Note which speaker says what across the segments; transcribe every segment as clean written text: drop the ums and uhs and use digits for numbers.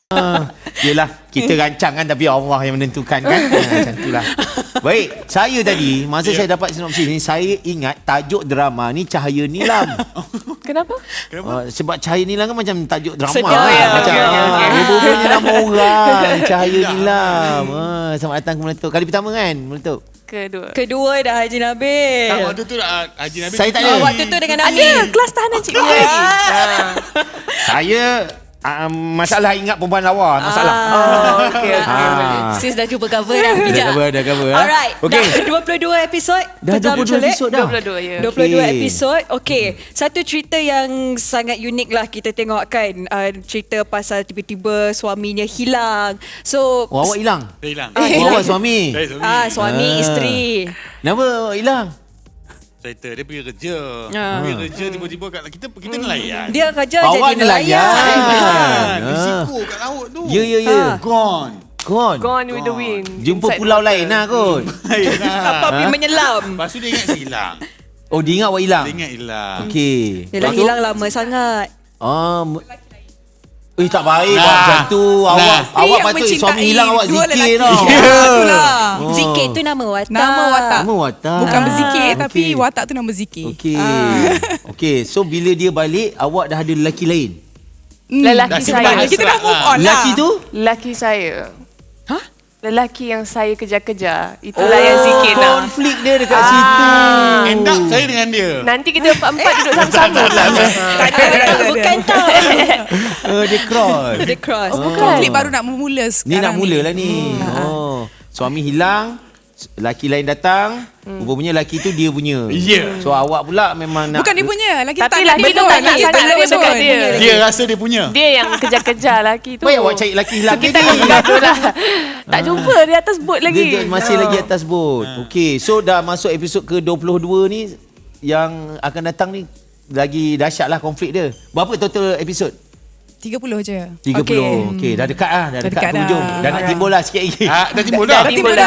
Speaker 1: Yelah, kita rancang kan, tapi Allah yang menentukan kan. Macam itulah. Baik, saya tadi masa saya dapat sinopsis ni, saya ingat tajuk drama ni Cahaya Nilam.
Speaker 2: Kenapa?
Speaker 1: Sebab Cahaya Nilam kan macam tajuk drama.
Speaker 2: Sedap,
Speaker 1: Macam
Speaker 2: okay.
Speaker 1: rupanya nama orang Cahaya Nilam. Selamat datang ke Meletup. Kali pertama kan Meletup?
Speaker 2: Kedua dah Haji Nabil.
Speaker 3: Tak, waktu tu Haji Nabil.
Speaker 1: Saya tak ada.
Speaker 2: Waktu tu dengan Ali.
Speaker 4: Ada kelas tahanan cikgu.
Speaker 1: Saya masalah ingat perempuan lawa. Masalah.
Speaker 2: Okay. Sis dah cuba cover dah.
Speaker 1: Dah cover.
Speaker 2: Alright.
Speaker 1: Okay.
Speaker 2: Dah 22 episod.
Speaker 1: Dah 22 episod dah.
Speaker 2: 22 ya. 22 episod. Okay. Satu cerita yang sangat unik lah kita tengok kan. Cerita pasal tiba-tiba suaminya hilang. So
Speaker 1: Awak hilang?
Speaker 3: Saya hilang.
Speaker 1: Awak suami?
Speaker 3: Saya suami.
Speaker 2: suami isteri.
Speaker 1: Kenapa awak hilang?
Speaker 3: Cerita dia pergi kerja. Pergi kerja tiba-tiba kat kita nelayan.
Speaker 2: Dia kerja
Speaker 1: Awak
Speaker 2: jadi nelayan.
Speaker 3: Risiko kat laut tu.
Speaker 1: Ya.
Speaker 3: Gone.
Speaker 2: Gone with the wind.
Speaker 1: Jumpa
Speaker 2: Inside
Speaker 1: pulau
Speaker 2: water.
Speaker 1: lain lah kot.
Speaker 2: Apa pergi menyelam.
Speaker 3: Lepas tu dia ingat saya hilang.
Speaker 1: Oh, dia ingat awak hilang?
Speaker 3: Dia ingat hilang.
Speaker 1: Okey.
Speaker 2: Dia dah hilang lama sangat.
Speaker 1: Tak baik buat macam tu. Awak patut suami hilang awak zikir tau.
Speaker 2: Zikir tu nama watak.
Speaker 4: Nama watak.
Speaker 1: Nama watak.
Speaker 4: Bukan berzikir tapi
Speaker 1: okey.
Speaker 4: watak tu nama zikir.
Speaker 1: Okey, so bila dia balik awak dah ada lelaki lain.
Speaker 2: Lelaki saya.
Speaker 4: Kita dah move on lah.
Speaker 1: Lelaki tu?
Speaker 2: Lelaki saya. Lelaki yang saya kejar-kejar. Itulah yang zikir nak.
Speaker 1: Konflik dia dekat situ.
Speaker 3: End up saya dengan dia.
Speaker 2: Nanti kita empat-empat duduk sama-sama. Bukan tau.
Speaker 1: Dia cross.
Speaker 2: Dia cross.
Speaker 4: Konflik baru nak memula sekarang.
Speaker 1: Ni nak mula lah ni. Suami hilang, lelaki lain datang, rupanya lelaki tu dia punya.
Speaker 3: Ya.
Speaker 1: So awak pula memang nak.
Speaker 4: Bukan dia punya. Lagi
Speaker 2: Tapi
Speaker 4: tak
Speaker 2: lelaki tu tak nak sangat dekat dia.
Speaker 3: Dia rasa dia punya.
Speaker 2: Dia yang kejar-kejar lelaki tu.
Speaker 1: Baik awak cari lelaki hilang
Speaker 2: Kita
Speaker 1: ni.
Speaker 2: nak bergaduh lah. Tak jumpa dia atas bot lagi.
Speaker 1: Dia masih lagi atas bot. Okey, so dah masuk episod ke-22 ni, yang akan datang ni lagi dahsyat lah konflik dia. Berapa total episod?
Speaker 4: 30 je.
Speaker 1: 30. Okey, dah dekat lah. Dah dekat
Speaker 4: dekat
Speaker 1: hujung.
Speaker 4: dah.
Speaker 1: Dah nak timbul lah sikit lagi.
Speaker 3: Dah timbul dah.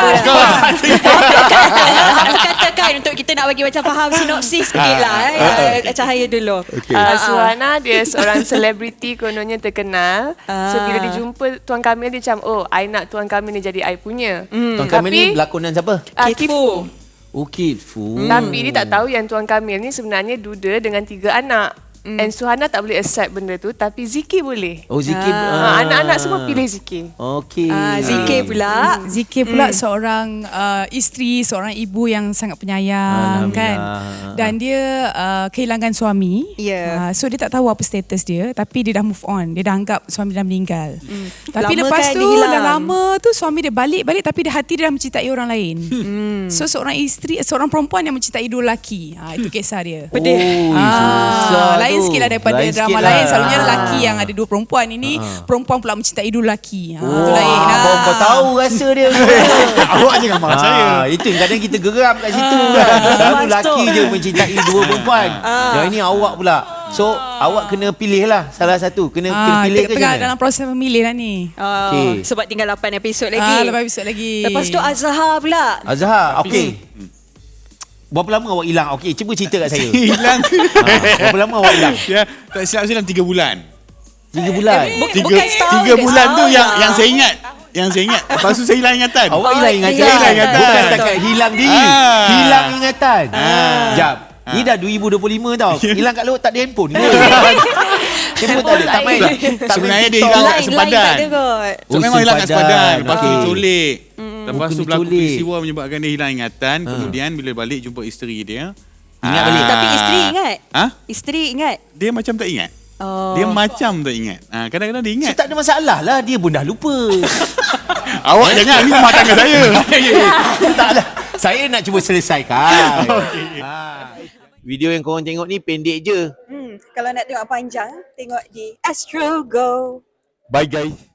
Speaker 2: Aku katakan untuk kita nak bagi macam faham sinopsis sikit lah. Cahaya dulu.
Speaker 5: Suhana dia seorang selebriti kononnya terkenal. So bila dia jumpa Tuan Kamil dia macam, oh I nak Tuan Kamil ni jadi I punya.
Speaker 1: Tuan Kamil ni berlakonan siapa?
Speaker 5: Kitfu.
Speaker 1: Oh, Kitfu.
Speaker 5: Tapi dia tak tahu yang Tuan Kamil ni sebenarnya duda dengan 3 anak. And Suhana tak boleh accept benda tu, tapi Zikir boleh.
Speaker 1: Oh, Zikir.
Speaker 5: Anak-anak semua pilih Zikir.
Speaker 1: Okey.
Speaker 2: Zikir pula.
Speaker 4: Zikir pula seorang isteri, seorang ibu yang sangat penyayang kan. Dan dia kehilangan suami.
Speaker 2: Ya.
Speaker 4: So dia tak tahu apa status dia, tapi dia dah move on. Dia dah anggap suami dah meninggal. Tapi
Speaker 2: Lama
Speaker 4: lepas
Speaker 2: kan
Speaker 4: tu
Speaker 2: dia hilang.
Speaker 4: dah lama tu suami dia balik tapi dia hati dia dah mencintai orang lain. So seorang isteri, seorang perempuan yang mencintai dua lelaki. Itu kisah dia.
Speaker 2: Pedih.
Speaker 1: Susah
Speaker 4: Lain
Speaker 1: tu.
Speaker 4: sikit lah daripada
Speaker 1: Lain
Speaker 4: drama
Speaker 1: sikit
Speaker 4: lain.
Speaker 1: lah.
Speaker 4: Selalunya lelaki yang ada dua perempuan. Ini perempuan pula mencintai dua lelaki. Itu lain.
Speaker 1: Kau tahu rasa dia.
Speaker 3: Awak jangan marah saya.
Speaker 1: Itu kadang kita geram kat situ kan. Selalu lelaki je mencintai dua perempuan. Yang ini awak pula. So awak kena pilih lah salah satu. Kena pilih ke
Speaker 4: tengah
Speaker 1: jangan?
Speaker 4: dalam proses memilih lah ni.
Speaker 1: Okey.
Speaker 2: Sebab tinggal 8 episod lagi.
Speaker 4: 8 episod lagi.
Speaker 2: Lepas tu Azhar pula.
Speaker 1: Azhar, okey. Berapa lama awak hilang? Okey, cuba cerita kat saya.
Speaker 3: Hilang.
Speaker 1: Berapa lama awak hilang?
Speaker 3: Ya, tak silap saya dalam 3 bulan.
Speaker 1: 3 bulan.
Speaker 2: Bukan setahun.
Speaker 3: 3 bulan tu yang saya ingat. Yang saya ingat. Lepas tu saya hilang ingatan.
Speaker 1: Awak hilang ingatan.
Speaker 3: Saya hilang ingatan.
Speaker 1: Bukan setakat hilang diri. Hilang ingatan. Jap. Ni dah 2025 tau. Hilang kat laut tak ada handphone ke? Handphone tak ada. Tak main.
Speaker 3: Sebenarnya dia hilang kat sempadan.
Speaker 2: tak ada kot.
Speaker 3: So memang hilang kat sempadan. Lepas tu
Speaker 1: Okey.
Speaker 3: diculik. Lepas tu
Speaker 1: Kena
Speaker 3: berlaku
Speaker 1: diculik.
Speaker 3: peristiwa menyebabkan dia hilang ingatan. Kemudian bila balik jumpa isteri dia.
Speaker 1: Ingat balik.
Speaker 2: Tapi isteri ingat. Isteri ingat.
Speaker 3: Dia macam tak ingat. Dia macam tak ingat. Kadang-kadang dia
Speaker 1: So
Speaker 3: ingat.
Speaker 1: tak ada masalah lah. Dia pun dah lupa.
Speaker 3: Awak jangan ni rumah tangga saya.
Speaker 1: Taklah. Saya nak cuba selesaikan. Video yang korang tengok ni pendek je.
Speaker 2: Kalau nak tengok panjang, tengok di Astro Go.
Speaker 1: Bye guys.